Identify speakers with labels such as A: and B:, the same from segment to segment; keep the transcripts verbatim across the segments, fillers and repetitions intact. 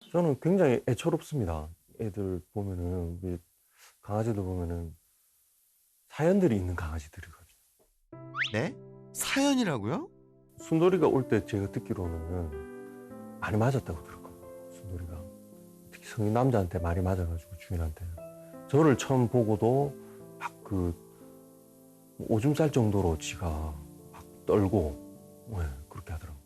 A: 저는 굉장히 애처롭습니다. 애들 보면은, 우리 강아지들 보면은 사연들이 있는 강아지들이거든요.
B: 네? 사연이라고요?
A: 순돌이가 올 때 제가 듣기로는 많이 맞았다고 들었거든요. 순돌이가. 특히 성인 남자한테 많이 맞아가지고 주인한테. 저를 처음 보고도 막 그 오줌 쌀 정도로 지가 막 떨고, 네, 그렇게 하더라고요.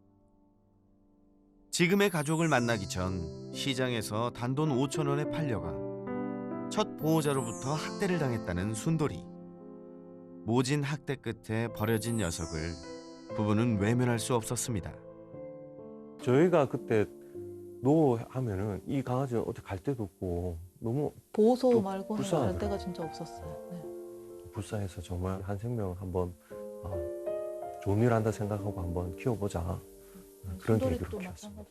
B: 지금의 가족을 만나기 전 시장에서 단돈 오천 원에 팔려가 첫 보호자로부터 학대를 당했다는 순돌이. 모진 학대 끝에 버려진 녀석을 부부는 외면할 수 없었습니다.
A: 저희가 그때 노하면은 이 강아지는 어디 갈 데도 없고 너무
C: 보호소
A: 또
C: 말고는
A: 불쌍하더라고요.
C: 갈 데가 진짜 없었어요. 네.
A: 불쌍해서 정말 한 생명 한번 어, 좋은 일 한다 생각하고 한번 키워보자. 그런 계기로
C: 순돌이도
A: 키웠습니다.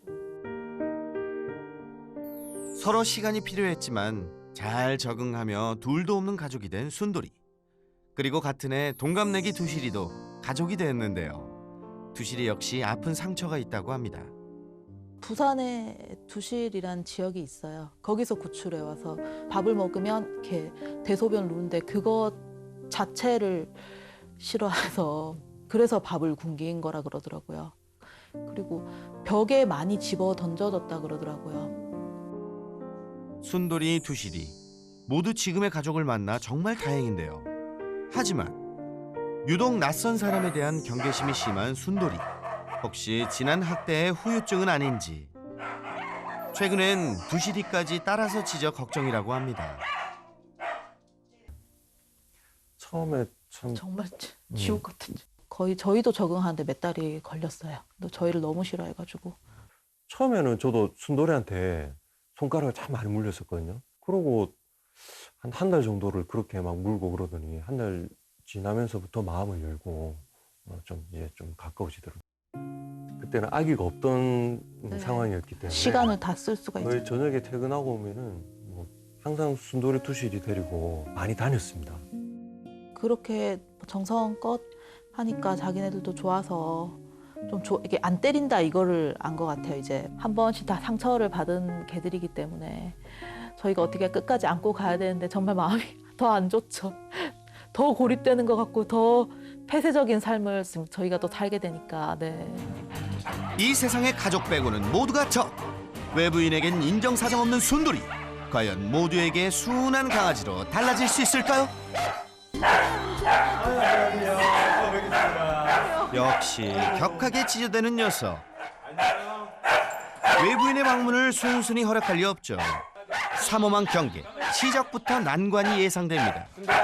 C: 마찬가지로.
B: 서로 시간이 필요했지만 잘 적응하며 둘도 없는 가족이 된 순돌이. 그리고 같은 해 동갑내기 두실이도 가족이 됐는데요. 두실이 역시 아픈 상처가 있다고 합니다.
C: 부산에 두실이란 지역이 있어요. 거기서 구출해 와서 밥을 먹으면 이렇게 대소변 누는데 그것 자체를 싫어해서 그래서 밥을 굶긴 거라 그러더라고요. 그리고 벽에 많이 집어 던져졌다 그러더라고요.
B: 순돌이, 두실이 모두 지금의 가족을 만나 정말 다행인데요. 하지만 유독 낯선 사람에 대한 경계심이 심한 순돌이. 혹시 지난 학대의 후유증은 아닌지. 최근엔 두실이까지 따라서 지적 걱정이라고 합니다.
A: 처음에 참
C: 정말
A: 음.
C: 지옥 같은. 거의 저희도 적응하는데 몇 달이 걸렸어요. 또 저희를 너무 싫어해가지고.
A: 처음에는 저도 순돌이한테 손가락을 참 많이 물렸었거든요. 그러고 한 한 달 정도를 그렇게 막 물고 그러더니 한 달 지나면서부터 마음을 열고 어, 좀 이제 좀 가까워지더라고요. 그때는 아기가 없던
C: 네.
A: 상황이었기 때문에
C: 시간을 다 쓸 수가 있죠.
A: 거의 저녁에 퇴근하고 오면은 뭐 항상 순돌이 두실이 데리고 많이 다녔습니다.
C: 그렇게 정성껏 하니까 자기네들도 좋아서 좀 조, 이게 안 때린다 이거를 안 것 같아요. 이제 한 번씩 다 상처를 받은 개들이기 때문에 저희가 어떻게 끝까지 안고 가야 되는데 정말 마음이 더 안 좋죠. 더 고립되는 것 같고 더 폐쇄적인 삶을 저희가 또 살게 되니까. 네.
B: 이 세상의 가족 빼고는 모두가 적. 외부인에겐 인정사정 없는 순돌이. 과연 모두에게 순한 강아지로 달라질 수 있을까요? 역시 격하게 찢어대는 녀석. 외부인의 방문을 순순히 허락할 리 없죠. 삼엄한 경계, 시작부터 난관이 예상됩니다.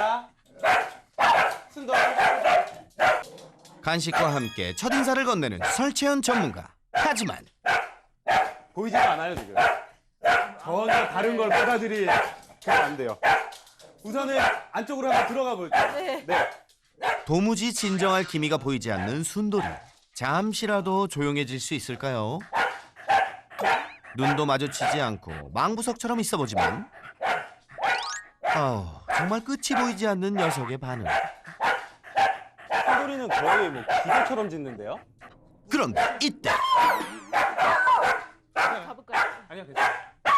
B: 간식과 함께 첫인사를 건네는 설채연 전문가. 하지만
D: 보이지가 않아요 지금. 전혀 다른 걸 받아들이면 안 돼요. 우선은 안쪽으로 한번 들어가 볼게요.
C: 네.
D: 네.
B: 도무지 진정할 기미가 보이지 않는 순돌이. 잠시라도 조용해질 수 있을까요? 눈도 마주치지 않고 망부석처럼 있어보지만 아우, 정말 끝이 보이지 않는 녀석의 반응.
D: 소리는 거의 뭐 기계처럼 짖는데요?
B: 그런데 이때
C: 가볼까요?
D: 아니요, 괜찮아요.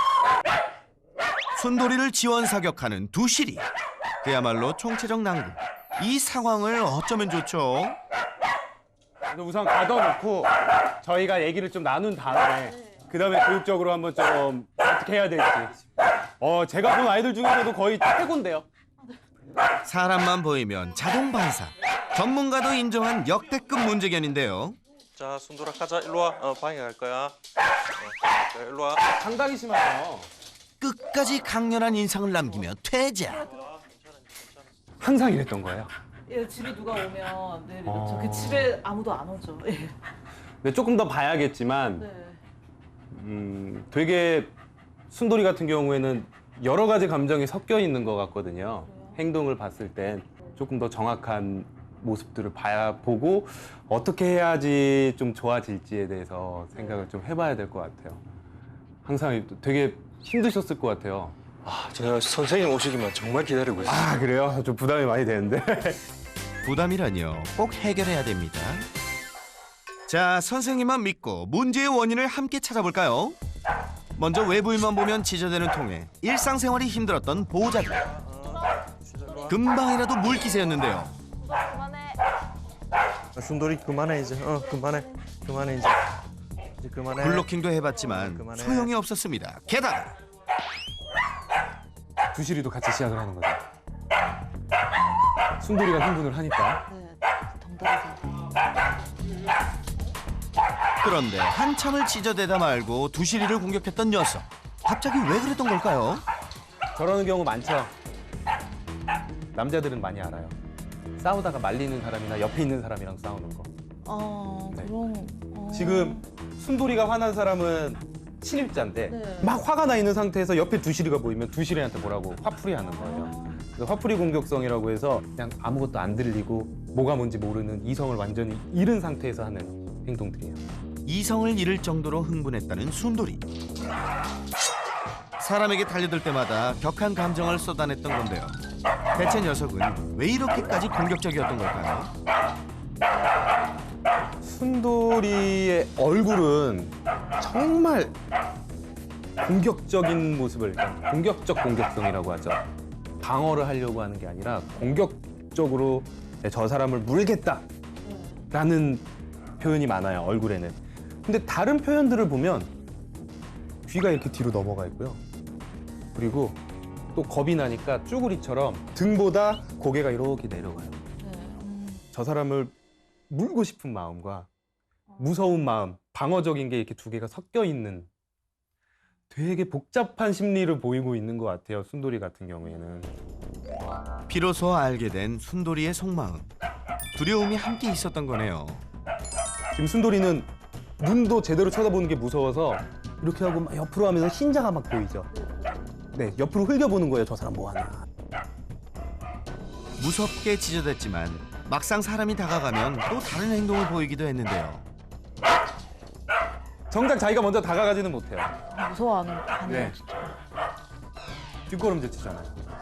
B: 순돌이를 지원 사격하는 두실이. 그야말로 총체적 난국. 이 상황을 어쩌면 좋죠?
D: 근데 우선 가둬놓고 저희가 얘기를 좀 나눈 다음에 그 다음에 교육적으로 한번 좀 어떻게 해야 될지. 어, 제가 본 아이들 중에서도 거의 최고인데요.
B: 사람만 보이면 자동 반사. 전문가도 인정한 역대급 문제견인데요.
E: 자, 순돌아 가자. 일로 와. 어, 방에 갈 거야. 어, 자, 일로 와.
D: 상당히 심하죠.
B: 끝까지 강렬한 인상을 남기며 퇴장.
D: 항상 이랬던 거예요.
C: 예, 집에 누가 오면 네,
D: 어.
C: 그 집에 아무도 안 오죠. 예.
D: 근데 조금 더 봐야겠지만
C: 네.
D: 음, 되게 순돌이 같은 경우에는 여러 가지 감정이 섞여 있는 것 같거든요. 행동을 봤을 땐 조금 더 정확한 모습들을 봐야 보고 어떻게 해야지 좀 좋아질지에 대해서 생각을 좀 해봐야 될 것 같아요. 항상 되게 힘드셨을 것 같아요.
E: 아, 제가 선생님 오시기만 정말 기다리고 있어요.
D: 아, 그래요? 좀 부담이 많이 되는데.
B: 부담이라뇨. 꼭 해결해야 됩니다. 자, 선생님만 믿고 문제의 원인을 함께 찾아볼까요? 먼저 외부인만 보면 지저대는 통에 일상생활이 힘들었던 보호자들. 금방이라도 물기세였는데요.
E: 순돌이 그만해 이제. 어 그만해. 그만해 이제. 이제 그만해.
B: 블로킹도 해봤지만
E: 그만해.
B: 소용이 없었습니다. 게다가
D: 두실이도 같이 시작을 하는 거죠. 순돌이가 흥분을 하니까.
C: 네, 덩달아서.
B: 그런데 한참을 찢어대다 말고 두시리를 공격했던 녀석. 갑자기 왜 그랬던 걸까요?
D: 저러는 경우 많죠. 남자들은 많이 알아요. 싸우다가 말리는 사람이나 옆에 있는 사람이랑 싸우는 거.
C: 어,
D: 네.
C: 그럼. 어.
D: 지금 순돌이가 화난 사람은 친입자인데
C: 네.
D: 막 화가 나 있는 상태에서 옆에 두실이가 보이면 두실이한테 뭐라고 화풀이 하는 거예요. 그래서 화풀이 공격성이라고 해서 그냥 아무것도 안 들리고 뭐가 뭔지 모르는 이성을 완전히 잃은 상태에서 하는 행동들이에요.
B: 이성을 잃을 정도로 흥분했다는 순돌이. 사람에게 달려들 때마다 격한 감정을 쏟아냈던 건데요. 대체 녀석은 왜 이렇게까지 공격적이었던 걸까요?
D: 순돌이의 얼굴은 정말 공격적인 모습을, 그러니까 공격적 공격성이라고 하죠. 방어를 하려고 하는 게 아니라 공격적으로 저 사람을 물겠다라는 표현이 많아요, 얼굴에는. 근데 다른 표현들을 보면 귀가 이렇게 뒤로 넘어가 있고요. 그리고 또 겁이 나니까 쭈구리처럼 등보다 고개가 이렇게 내려가요.
C: 네, 음.
D: 저 사람을 물고 싶은 마음과 무서운 마음, 방어적인 게 이렇게 두 개가 섞여 있는 되게 복잡한 심리를 보이고 있는 것 같아요, 순돌이 같은 경우에는.
B: 비로소 알게 된 순돌이의 속마음. 두려움이 함께 있었던 거네요.
D: 지금 순돌이는 눈도 제대로 쳐다보는 게 무서워서 이렇게 하고 막 옆으로 하면서 흰자가 막 보이죠. 네, 옆으로 흘겨보는 거예요, 저 사람 뭐 하나.
B: 무섭게 찢어댔지만 막상 사람이 다가가면 또 다른 행동을 보이기도 했는데요.
D: 정작 자기가 먼저 다가가지는 못해요.
C: 무서워하는 하네요,
D: 네.
C: 진짜.
D: 뒷걸음질 치잖아요.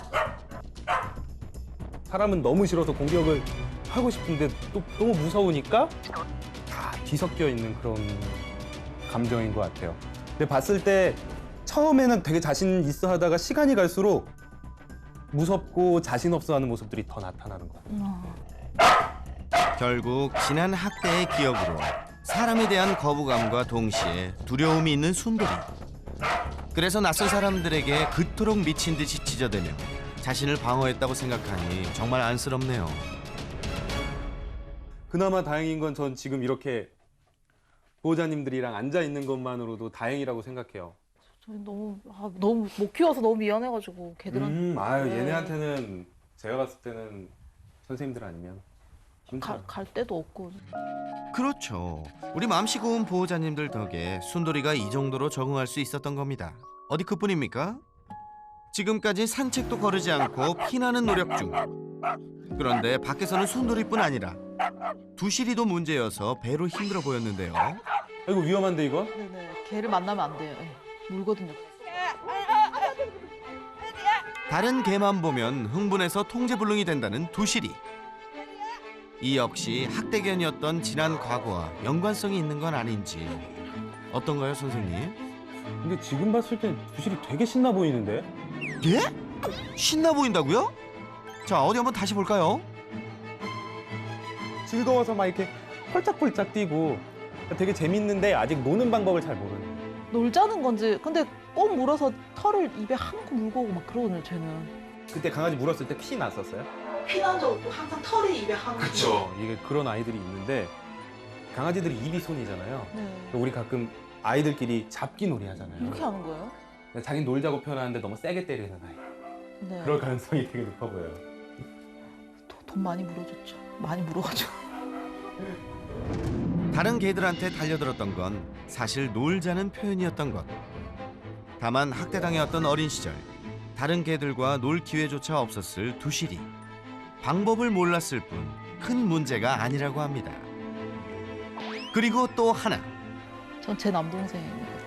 D: 사람은 너무 싫어서 공격을 하고 싶은데 또 너무 무서우니까 다 뒤섞여 있는 그런 감정인 것 같아요. 근데 봤을 때 처음에는 되게 자신 있어 하다가 시간이 갈수록 무섭고 자신 없어 하는 모습들이 더 나타나는 것 같아요.
C: 어.
B: 결국 지난 학대의 기억으로 사람에 대한 거부감과 동시에 두려움이 있는 순돌이. 그래서 낯선 사람들에게 그토록 미친 듯이 찢어대며 자신을 방어했다고 생각하니 정말 안쓰럽네요.
D: 그나마 다행인 건 전 지금 이렇게 보호자님들이랑 앉아 있는 것만으로도 다행이라고 생각해요.
C: 저희 너무 아, 너무 못 키워서 너무 미안해가지고 걔들한테.
D: 음, 아유
C: 네.
D: 얘네한테는 제가 봤을 때는 선생님들 아니면
C: 갈, 갈 데도 없고.
B: 그렇죠. 우리 맘씨 고운 보호자님들 덕에 순돌이가 이 정도로 적응할 수 있었던 겁니다. 어디 그뿐입니까? 지금까지 산책도 거르지 않고 피나는 노력 중. 그런데 밖에서는 순돌이뿐 아니라 두실이도 문제여서 배로 힘들어 보였는데요.
D: 이거 위험한데 이거?
C: 네네. 걔를 만나면 안 돼요. 네. 물거든요.
B: 다른 개만 보면 흥분해서 통제불능이 된다는 두실이. 이 역시 학대견이었던 지난 과거와 연관성이 있는 건 아닌지. 어떤가요, 선생님?
D: 근데 지금 봤을 때 두실이 되게 신나 보이는데?
B: 예? 신나 보인다고요? 자, 어디 한번 다시 볼까요?
D: 즐거워서 막 이렇게 펄짝펄짝 뛰고 되게 재밌는데 아직 노는 방법을 잘 모르는.
C: 놀자는 건지. 근데 꼭 물어서 털을 입에 한코 물고 오고 막 그러거든요, 쟤는.
D: 그때 강아지 물었을 때 피 났었어요?
C: 피난 적 없고 항상 털이 입에 한코.
D: 그렇죠. 이게 그런 아이들이 있는데 강아지들이 입이 손이잖아요.
C: 네.
D: 우리 가끔 아이들끼리 잡기 놀이 하잖아요.
C: 이렇게 하는 거예요?
D: 자기 놀자고 표현하는데 너무 세게 때리는 아이.
C: 네.
D: 그럴 가능성이 되게 높아 보여요.
C: 도- 돈 많이 물어줬죠. 많이 물어가지고.
B: 다른 개들한테 달려들었던 건 사실 놀자는 표현이었던 것. 다만 학대당해왔던 어린 시절 다른 개들과 놀 기회조차 없었을 두실이. 방법을 몰랐을 뿐 큰 문제가 아니라고 합니다. 그리고 또 하나.
C: 전 제 남동생이거든요.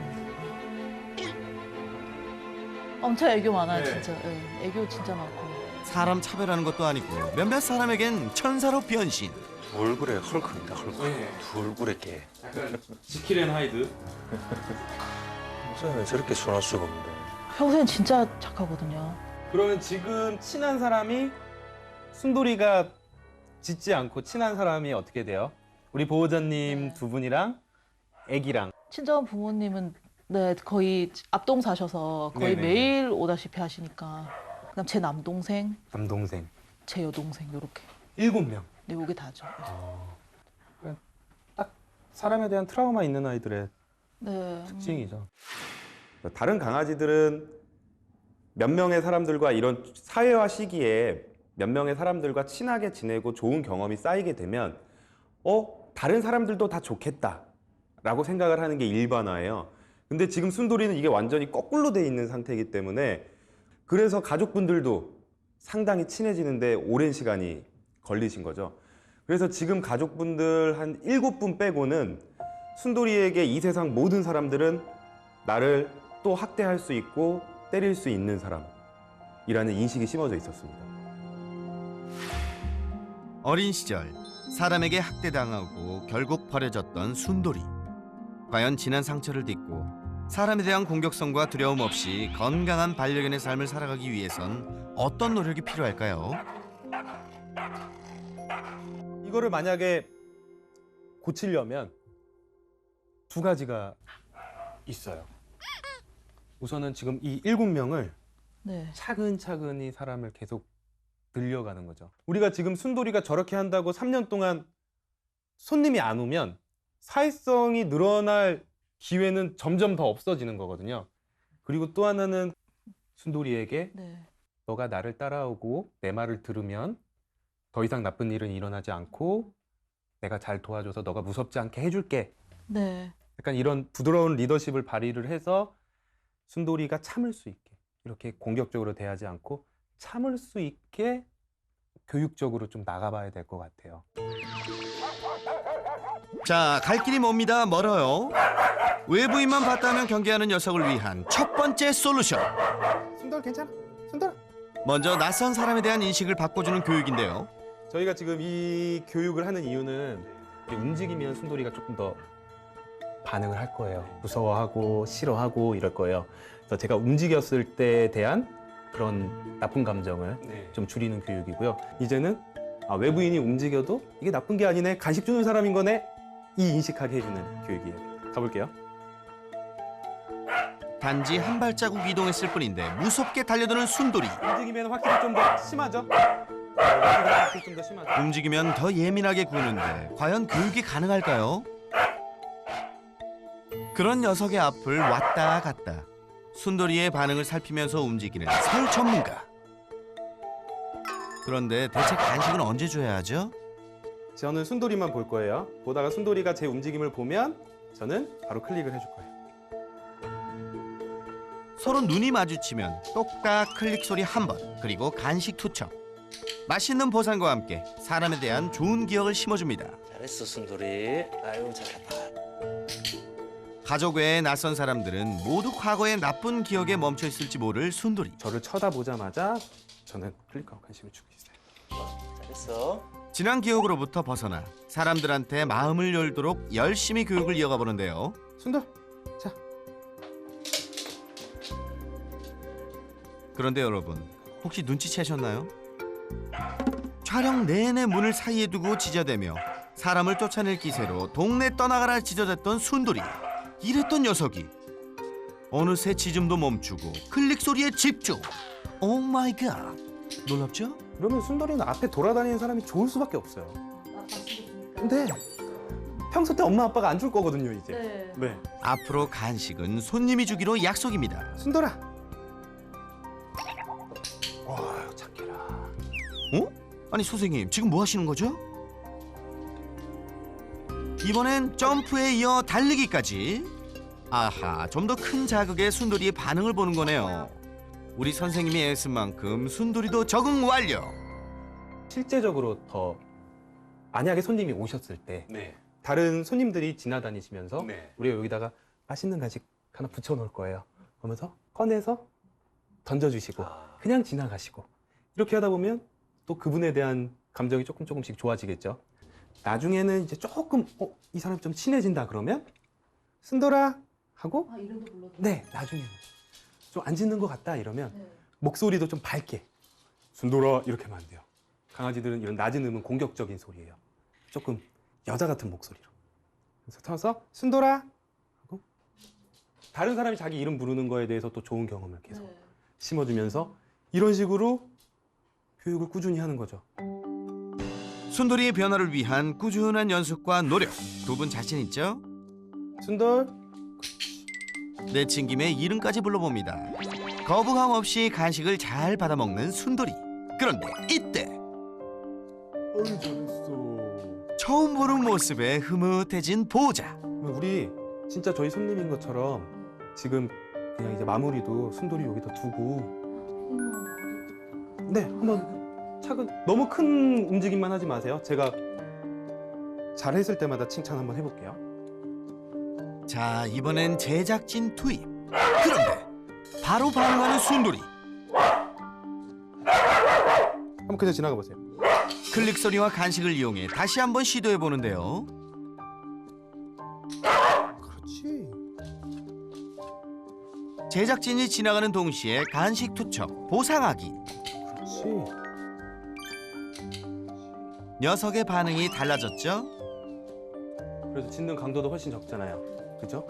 C: 엄청 애교 많아요,
D: 네.
C: 진짜. 네. 애교 진짜 많고.
B: 사람 차별하는 것도 아니고 몇몇 사람에겐 천사로 변신.
A: 얼굴에 헐크입니다. 헐크.
D: 네.
A: 두 얼굴에 개.
D: 약간 지킬 앤 하이드.
E: 평소에는 저렇게 순할 수가 없는데.
C: 평소엔 진짜 착하거든요.
D: 그러면 지금 친한 사람이 순돌이가 짖지 않고 친한 사람이 어떻게 돼요? 우리 보호자님
C: 네.
D: 두 분이랑 애기랑.
C: 친정 부모님은 네 거의 앞동 사셔서 거의
D: 네네네.
C: 매일 오다시피 하시니까 그다음 제 남동생,
D: 남동생
C: 제 여동생 요렇게
D: 일곱 명.
C: 네 요게 다죠.
D: 딱 사람에 대한 트라우마 있는 아이들의
C: 네.
D: 특징이죠.
F: 다른 강아지들은 몇 명의 사람들과 이런 사회화 시기에 몇 명의 사람들과 친하게 지내고 좋은 경험이 쌓이게 되면 어? 다른 사람들도 다 좋겠다라고 생각을 하는 게 일반화예요. 근데 지금 순돌이는 이게 완전히 거꾸로 돼 있는 상태이기 때문에 그래서 가족분들도 상당히 친해지는데 오랜 시간이 걸리신 거죠. 그래서 지금 가족분들 한 일곱 분 빼고는 순돌이에게 이 세상 모든 사람들은 나를 또 학대할 수 있고 때릴 수 있는 사람이라는 인식이 심어져 있었습니다.
B: 어린 시절 사람에게 학대당하고 결국 버려졌던 순돌이. 과연 지난 상처를 딛고 사람에 대한 공격성과 두려움 없이 건강한 반려견의 삶을 살아가기 위해선 어떤 노력이 필요할까요?
D: 이거를 만약에 고치려면 두 가지가 있어요. 우선은 지금 이 일곱 명을
C: 네.
D: 차근차근히 사람을 계속 늘려가는 거죠. 우리가 지금 순돌이가 저렇게 한다고 삼 년 동안 손님이 안 오면 사회성이 늘어날 기회는 점점 더 없어지는 거거든요. 그리고 또 하나는 순돌이에게
C: 네.
D: 너가 나를 따라오고 내 말을 들으면 더 이상 나쁜 일은 일어나지 않고 내가 잘 도와줘서 너가 무섭지 않게 해줄게.
C: 네.
D: 약간 이런 부드러운 리더십을 발휘를 해서 순돌이가 참을 수 있게 이렇게 공격적으로 대하지 않고 참을 수 있게 교육적으로 좀 나가봐야 될 것 같아요.
B: 자, 갈 길이 멉니다. 멀어요. 외부인만 봤다면 경계하는 녀석을 위한 첫 번째 솔루션.
D: 순돌 괜찮아? 순돌.
B: 먼저 낯선 사람에 대한 인식을 바꿔주는 교육인데요.
D: 저희가 지금 이 교육을 하는 이유는 움직이면 순돌이가 조금 더 반응을 할 거예요. 무서워하고 싫어하고 이럴 거예요. 그래서 제가 움직였을 때에 대한 그런 나쁜 감정을
F: 네.
D: 좀 줄이는 교육이고요. 이제는 아, 외부인이 움직여도 이게 나쁜 게 아니네, 간식 주는 사람인 거네, 이 인식하게 해주는 교육이에요. 가볼게요.
B: 단지 한 발자국 이동했을 뿐인데 무섭게 달려드는 순돌이.
D: 움직이면 확실히 좀 더 심하죠? 네, 움직이면 확실히 좀 더 심하죠?
B: 움직이면 더 예민하게 구는데 과연 교육이 가능할까요? 그런 녀석의 앞을 왔다 갔다 순돌이의 반응을 살피면서 움직이는 사육 전문가. 그런데 대체 간식은 언제 줘야 하죠?
D: 저는 순돌이만 볼 거예요. 보다가 순돌이가 제 움직임을 보면 저는 바로 클릭을 해줄 거예요.
B: 서로 눈이 마주치면 똑딱 클릭 소리 한 번, 그리고 간식 투척. 맛있는 보상과 함께 사람에 대한 좋은 기억을 심어줍니다.
E: 잘했어 순돌이. 아유 잘했다.
B: 가족 외의 낯선 사람들은 모두 과거의 나쁜 기억에 멈춰 있을지 모를 순돌이.
D: 저를 쳐다보자마자 저는 클릭하고 간식을 주고 있어요.
E: 잘했어.
B: 지난 기억으로부터 벗어나 사람들한테 마음을 열도록 열심히 교육을 이어가 보는데요.
D: 순돌, 자.
B: 그런데 여러분, 혹시 눈치채셨나요? 촬영 내내 문을 사이에 두고 짖어대며 사람을 쫓아낼 기세로 동네 떠나가라 짖어댔던 순돌이. 이랬던 녀석이 어느새 짖음도 멈추고 클릭 소리에 집중. 오 마이 갓. 놀랍죠?
D: 그러면 순돌이는 앞에 돌아다니는 사람이 좋을 수밖에 없어요. 근데 평소 때 엄마 아빠가 안 줄 거거든요, 이제.
C: 네.
D: 네.
B: 앞으로 간식은 손님이 주기로 약속입니다.
D: 순돌아. 와, 착해라.
B: 어? 아니 선생님, 지금 뭐 하시는 거죠? 이번엔 점프에 이어 달리기까지. 아하, 좀 더 큰 자극에 순돌이의 반응을 보는 거네요. 우리 선생님이 애쓴 만큼 순돌이도 적응 완료.
D: 실제적으로 더 만약에 손님이 오셨을 때
F: 네.
D: 다른 손님들이 지나다니시면서
F: 네.
D: 우리가 여기다가 맛있는 간식 하나 붙여 놓을 거예요. 그러면서 꺼내서 던져주시고 그냥 지나가시고 이렇게 하다 보면 또 그분에 대한 감정이 조금 조금씩 좋아지겠죠. 나중에는 이제 조금 어, 이 사람 좀 친해진다 그러면 순돌아 하고
C: 아, 이름도 불러도
D: 네, 나중에는 좀 안 짖는 것 같다 이러면
C: 네.
D: 목소리도 좀 밝게 순돌아 이렇게 하면 안 돼요. 강아지들은 이런 낮은 음은 공격적인 소리예요. 조금 여자 같은 목소리로. 그래서 쳐서 순돌아 하고 다른 사람이 자기 이름 부르는 거에 대해서 또 좋은 경험을 계속
C: 네.
D: 심어주면서 이런 식으로 교육을 꾸준히 하는 거죠.
B: 순돌이의 변화를 위한 꾸준한 연습과 노력 두 분 자신 있죠?
D: 순돌
B: 내친 김에 이름까지 불러봅니다. 거부감 없이 간식을 잘 받아먹는 순돌이. 그런데 이때
D: 어이 잘했어.
B: 처음 보는 모습에 흐뭇해진 보호자.
D: 우리 진짜 저희 손님인 것처럼 지금 그냥 이제 마무리도 순돌이 여기다 두고 네 한번 차근 너무 큰 움직임만 하지 마세요. 제가 잘했을 때마다 칭찬 한번 해볼게요.
B: 자, 이번엔 제작진 투입. 그런데 바로 반응하는 순돌이.
D: 한번 그냥 지나가 보세요.
B: 클릭 소리와 간식을 이용해 다시 한번 시도해 보는데요.
D: 그렇지.
B: 제작진이 지나가는 동시에 간식 투척, 보상하기.
D: 그렇지.
B: 녀석의 반응이 달라졌죠?
D: 그래서 짖는 강도도 훨씬 적잖아요. 그죠?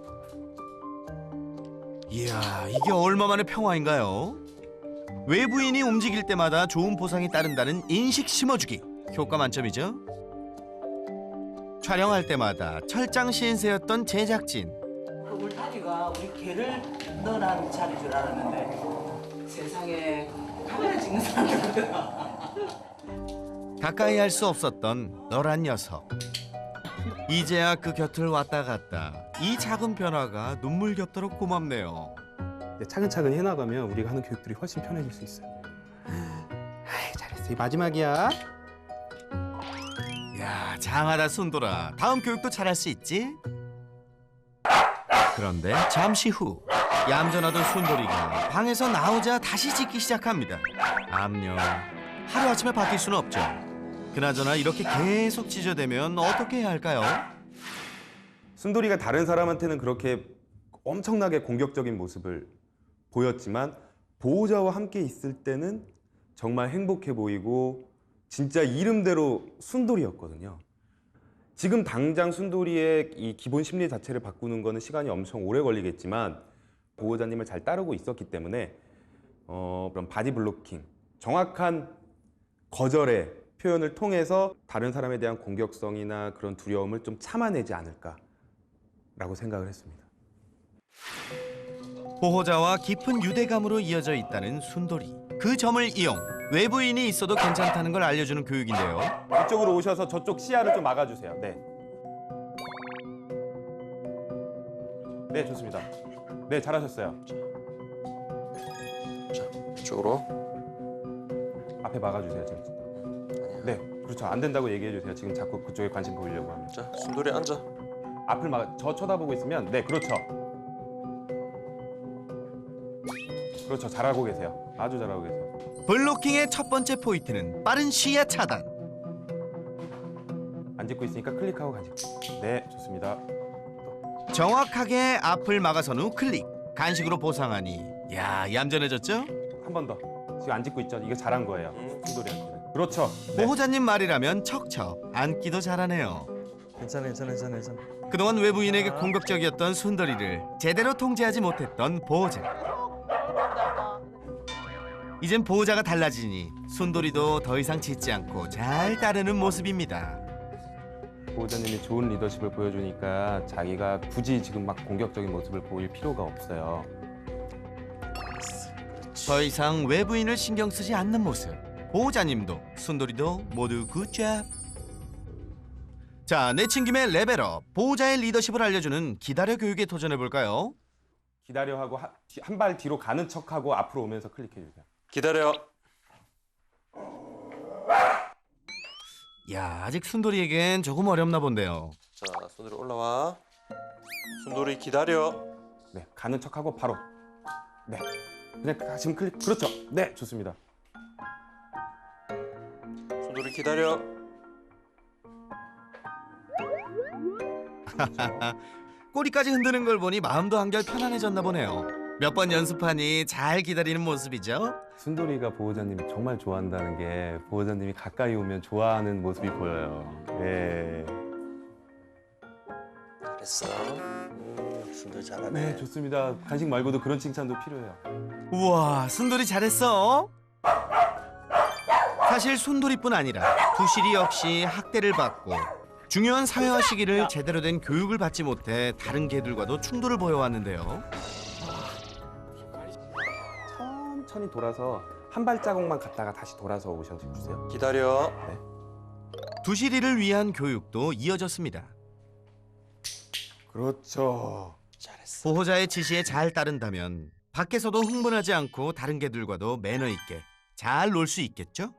B: 이야, 이게 얼마만의 평화인가요? 외부인이 움직일 때마다 좋은 보상이 따른다는 인식 심어주기. 효과 만점이죠? 촬영할 때마다 철장 신세였던 제작진.
G: 그 울타리가 우리 개를 넣으라는 자리인 줄 알았는데 세상에 카메라 찍는 사람들구나.
B: 가까이 할 수 없었던 너란 녀석. 이제야 그 곁을 왔다 갔다. 이 작은 변화가 눈물겹도록 고맙네요.
D: 이제 차근차근 해나가면 우리가 하는 교육들이 훨씬 편해질 수 있어요. 아이, 잘했어. 이 마지막이야.
B: 야, 장하다 순돌아. 다음 교육도 잘할 수 있지? 그런데 잠시 후 얌전하던 순돌이가 방에서 나오자 다시 짖기 시작합니다. 암요. 하루아침에 바뀔 수는 없죠. 그나저나 이렇게 계속 짖어대면 어떻게 해야 할까요?
F: 순돌이가 다른 사람한테는 그렇게 엄청나게 공격적인 모습을 보였지만 보호자와 함께 있을 때는 정말 행복해 보이고 진짜 이름대로 순돌이였거든요. 지금 당장 순돌이의 이 기본 심리 자체를 바꾸는 거는 시간이 엄청 오래 걸리겠지만 보호자님을 잘 따르고 있었기 때문에 어, 그런 바디 블로킹, 정확한 거절의 표현을 통해서 다른 사람에 대한 공격성이나 그런 두려움을 좀 참아내지 않을까라고 생각을 했습니다.
B: 보호자와 깊은 유대감으로 이어져 있다는 순돌이. 그 점을 이용 외부인이 있어도 괜찮다는 걸 알려주는 교육인데요.
F: 이쪽으로 오셔서 저쪽 시야를 좀 막아주세요. 네. 네, 좋습니다. 네, 잘하셨어요.
E: 이쪽으로.
F: 앞에 막아주세요, 지금. 네, 그렇죠. 안 된다고 얘기해 주세요. 지금 자꾸 그쪽에 관심 보이려고 하면.
E: 자, 순돌이 앉아.
F: 앞을 막, 저 쳐다보고 있으면, 네, 그렇죠. 그렇죠. 잘하고 계세요. 아주 잘하고 계세요.
B: 블로킹의 첫 번째 포인트는 빠른 시야 차단.
F: 안 짚고 있으니까 클릭하고 간식. 네, 좋습니다.
B: 정확하게 앞을 막아선 후 클릭. 간식으로 보상하니 야, 얌전해졌죠?
F: 한 번 더. 지금 안 짚고 있죠? 이거 잘한 거예요.
E: 음.
F: 순돌이한테는. 그렇죠. 네.
B: 보호자님 말이라면 척척 앉기도 잘하네요.
A: 괜찮아, 괜찮아, 괜찮아, 괜찮아.
B: 그동안 외부인에게 공격적이었던 순돌이를 제대로 통제하지 못했던 보호자. 이젠 보호자가 달라지니 순돌이도 더 이상 짖지 않고 잘 따르는 모습입니다.
F: 보호자님이 좋은 리더십을 보여주니까 자기가 굳이 지금 막 공격적인 모습을 보일 필요가 없어요.
B: 더 이상 외부인을 신경 쓰지 않는 모습. 보호자님도 순돌이도 모두 굿잡. 자, 내친 김에 레벨업. 보호자의 리더십을 알려주는 기다려 교육에 도전해볼까요?
F: 기다려 하고 한 발 뒤로 가는 척하고 앞으로 오면서 클릭해 주세요.
E: 기다려.
B: 야, 아직 순돌이에겐 조금 어렵나 본데요.
E: 자, 순돌이 올라와. 순돌이 기다려.
F: 네, 가는 척하고 바로. 네, 그냥 지금 클릭. 그렇죠. 네, 좋습니다.
E: 순돌이 기다려.
B: 꼬리까지 흔드는 걸 보니 마음도 한결 편안해졌나 보네요. 몇 번 연습하니 잘 기다리는 모습이죠.
D: 순돌이가 보호자님이 정말 좋아한다는 게 보호자님이 가까이 오면 좋아하는 모습이 보여요. 예.
E: 잘했어. 음, 순돌이 잘하네.
D: 네, 좋습니다. 간식 말고도 그런 칭찬도 필요해요.
B: 우와, 순돌이 잘했어. 사실 순돌이뿐 아니라 두실이 역시 학대를 받고 중요한 사회화 시기를 제대로 된 교육을 받지 못해 다른 개들과도 충돌을 보여왔는데요.
F: 천천히 돌아서 한 발자국만 갔다가 다시 돌아서 오셔주세요.
E: 기다려.
B: 두실이를 위한 교육도 이어졌습니다.
F: 그렇죠.
E: 잘했어.
B: 보호자의 지시에 잘 따른다면 밖에서도 흥분하지 않고 다른 개들과도 매너 있게 잘 놀 수 있겠죠?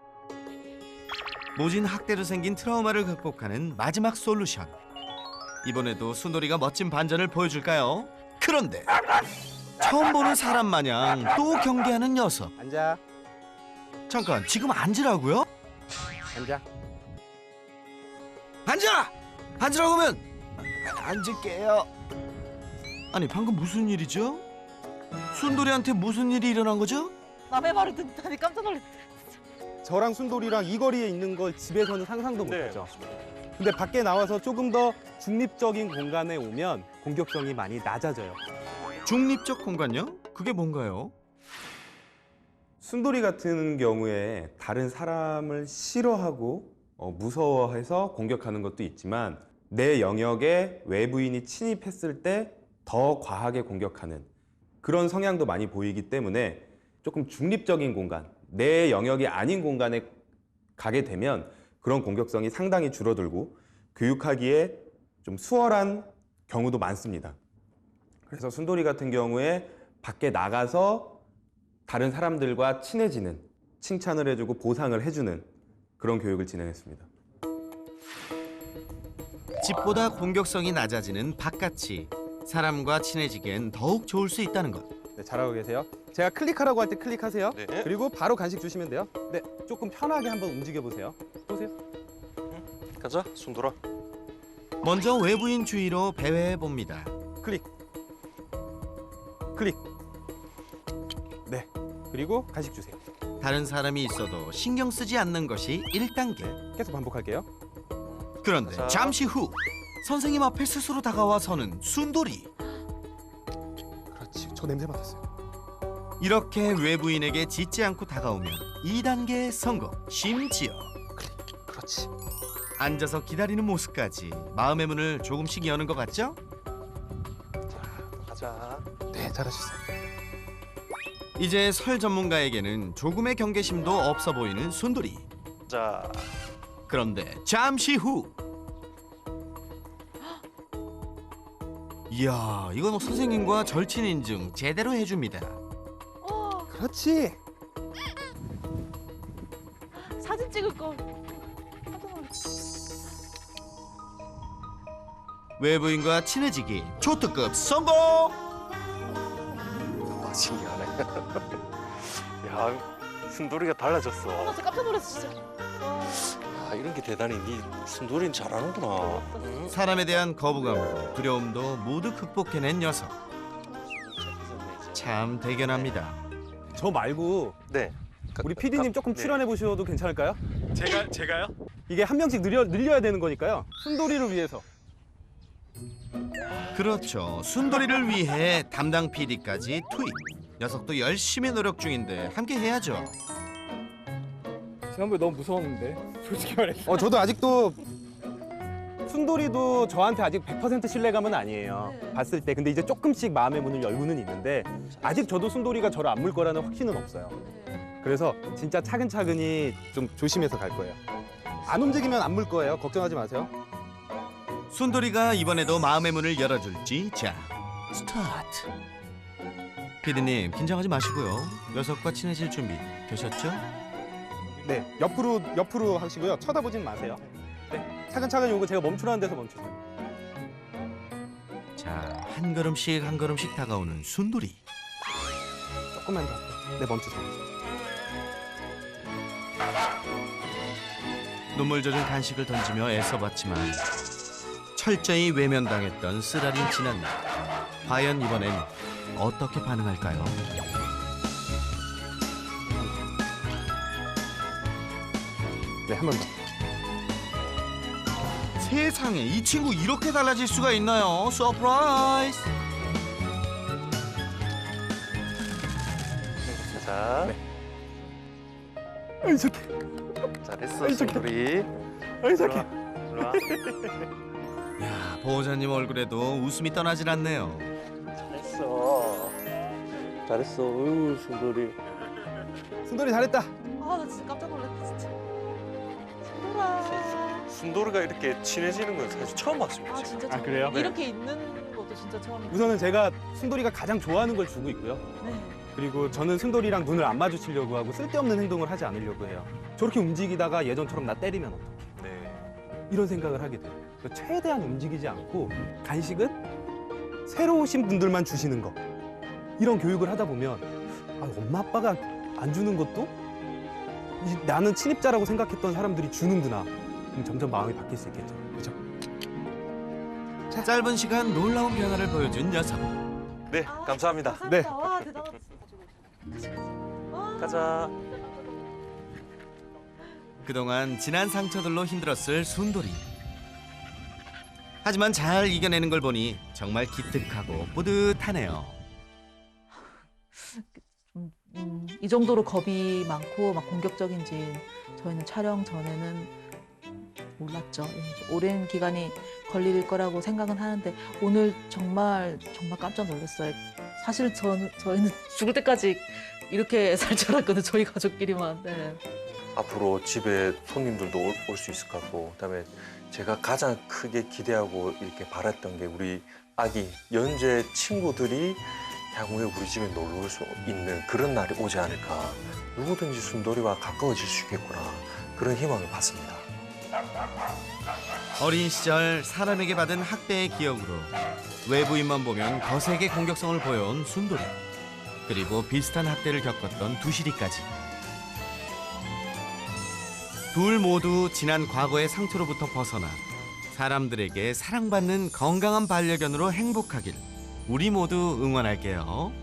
B: 모진 학대로 생긴 트라우마를 극복하는 마지막 솔루션. 이번에도 순돌이가 멋진 반전을 보여줄까요? 그런데 처음 보는 사람 마냥 또 경계하는 녀석.
F: 앉아.
B: 잠깐, 지금 앉으라고요?
F: 앉아.
B: 앉아! 앉으라고 하면 앉을게요. 아니, 방금 무슨 일이죠? 순돌이한테 무슨 일이 일어난 거죠?
C: 남의 말을 듣다니 깜짝 놀랐어.
H: 저랑 순돌이랑 이 거리에 있는 걸 집에서는 상상도
E: 네.
H: 못하죠. 근데 밖에 나와서 조금 더 중립적인 공간에 오면 공격성이 많이 낮아져요.
B: 중립적 공간요? 그게 뭔가요?
F: 순돌이 같은 경우에 다른 사람을 싫어하고 어, 무서워해서 공격하는 것도 있지만 내 영역에 외부인이 침입했을 때 더 과하게 공격하는 그런 성향도 많이 보이기 때문에 조금 중립적인 공간, 내 영역이 아닌 공간에 가게 되면 그런 공격성이 상당히 줄어들고 교육하기에 좀 수월한 경우도 많습니다. 그래서 순돌이 같은 경우에 밖에 나가서 다른 사람들과 친해지는, 칭찬을 해주고 보상을 해주는 그런 교육을 진행했습니다.
B: 집보다 공격성이 낮아지는 바깥이 사람과 친해지기엔 더욱 좋을 수 있다는 것.
H: 네, 잘하고 계세요. 제가 클릭하라고 할 때 클릭하세요.
E: 네.
H: 그리고 바로 간식 주시면 돼요. 네, 조금 편하게 한번 움직여 보세요. 보세요.
E: 가자, 순돌아.
B: 먼저 외부인 주의로 배회해 봅니다.
H: 클릭. 클릭. 네. 그리고 간식 주세요.
B: 다른 사람이 있어도 신경 쓰지 않는 것이 일 단계.
H: 계속 반복할게요.
B: 그런데
E: 자.
B: 잠시 후 선생님 앞에 스스로 다가와 서는 순돌이.
H: 그렇지. 저 냄새 맡았어요.
B: 이렇게 외부인에게 짖지 않고 다가오면 이 단계 성공. 심지어
H: 그렇지.
B: 앉아서 기다리는 모습까지 마음의 문을 조금씩 여는 것 같죠?
E: 가자.
H: 네, 잘하셨어요.
B: 이제 설 전문가에게는 조금의 경계심도 없어 보이는 순돌이.
E: 자,
B: 그런데 잠시 후. 이야, 이건 선생님과 절친 인증 제대로 해줍니다.
H: 그렇지.
C: 사진 찍을 걸.
B: 외부인과 친해지기 초특급 성공!
E: 와, 신기하네. 야, 순돌이가 달라졌어.
C: 나 진짜 깜짝 놀랐어 진짜.
E: 아, 이런 게 대단히 니 순돌이는 잘하는구나. 응?
B: 사람에 대한 거부감도 두려움도 모두 극복해낸 녀석. 참 대견합니다.
H: 저 말고
E: 네.
H: 우리 피디님 조금
E: 네.
H: 출연해 보셔도 괜찮을까요?
E: 제가 제가요?
H: 이게 한 명씩 늘려, 늘려야 되는 거니까요. 순돌이를 위해서.
B: 그렇죠. 순돌이를 위해 담당 피디까지 투입. 녀석도 열심히 노력 중인데 함께 해야죠.
I: 지난번에 너무 무서웠는데 솔직히 말해서.
H: 어, 저도 아직도 순돌이도 저한테 아직 백 퍼센트 신뢰감은 아니에요.
C: 네.
H: 봤을 때. 근데 이제 조금씩 마음의 문을 열고는 있는데 아직 저도 순돌이가 저를 안 물 거라는 확신은 없어요. 그래서 진짜 차근차근히 좀 조심해서 갈 거예요. 안 움직이면 안 물 거예요. 걱정하지 마세요.
B: 순돌이가 이번에도 마음의 문을 열어줄지. 자, 스타트. 피디님 긴장하지 마시고요. 녀석과 친해질 준비 되셨죠?
H: 네, 옆으로 옆으로 하시고요. 쳐다보진 마세요. 네, 차근차근히 오고 제가 멈추라는 데서 멈추세요.
B: 자, 한 걸음씩 한 걸음씩 다가오는 순돌이.
H: 조금만 더. 네, 멈추세요.
B: 눈물 젖은 간식을 던지며 애써봤지만 철저히 외면당했던 쓰라린 진한나. 과연 이번엔 어떻게 반응할까요?
H: 네, 한 번 더.
B: 세상에 이 친구 이렇게 달라질 수가 있나요? 서프라이즈!
E: 자,
H: 아이 착해.
E: 잘했어, 순돌이.
H: 아이 착해.
E: 일로 와.
B: 야, 보호자님 얼굴에도 웃음이 떠나질 않네요.
E: 잘했어. 잘했어, 어유 순돌이.
H: 순돌이 잘했다.
C: 아, 나 진짜 깜짝 놀랐다, 진짜. 순돌아.
E: 순돌이가 이렇게 친해지는 건 사실 처음 봤습니다.
C: 아,
E: 지금.
C: 진짜
H: 아,
C: 처음.
H: 그래요?
C: 이렇게 있는 것도 진짜 처음이에요.
H: 우선은 제가 순돌이가 가장 좋아하는 걸 주고 있고요.
C: 네.
H: 그리고 저는 순돌이랑 눈을 안 마주치려고 하고 쓸데없는 행동을 하지 않으려고 해요. 저렇게 움직이다가 예전처럼 나 때리면 어떡해.
E: 네.
H: 이런 생각을 하게 돼요. 그래서 최대한 움직이지 않고 간식은 새로 오신 분들만 주시는 거. 이런 교육을 하다 보면 아, 엄마 아빠가 안 주는 것도 이, 나는 친입자라고 생각했던 사람들이 주는구나. 그럼 점점 마음이 바뀔 수 있겠죠. 그렇죠?
B: 짧은 시간 놀라운 변화를 보여준 녀석.
E: 네,
C: 아,
E: 감사합니다.
C: 감사합니다.
H: 네.
C: 와, 대단하다. 와.
E: 가자.
B: 그동안 지난 상처들로 힘들었을 순돌이. 하지만 잘 이겨내는 걸 보니 정말 기특하고 뿌듯하네요.
C: 좀, 음, 이 정도로 겁이 많고 막 공격적인지 저희는 촬영 전에는 몰랐죠. 오랜 기간이 걸릴 거라고 생각은 하는데 오늘 정말 정말 깜짝 놀랐어요. 사실 전, 저희는 죽을 때까지 이렇게 살 줄 알았거든요. 저희 가족끼리만. 네.
E: 앞으로 집에 손님들도 올 수 있을 것 같고, 그다음에 제가 가장 크게 기대하고 이렇게 바랐던 게 우리 아기 연재 친구들이 향후에 우리 집에 놀러 올 수 있는 그런 날이 오지 않을까. 누구든지 순돌이와 가까워질 수 있겠구나. 그런 희망을 받습니다.
B: 어린 시절 사람에게 받은 학대의 기억으로 외부인만 보면 거세게 공격성을 보여온 순돌이. 그리고 비슷한 학대를 겪었던 두시리까지. 둘 모두 지난 과거의 상처로부터 벗어나 사람들에게 사랑받는 건강한 반려견으로 행복하길 우리 모두 응원할게요.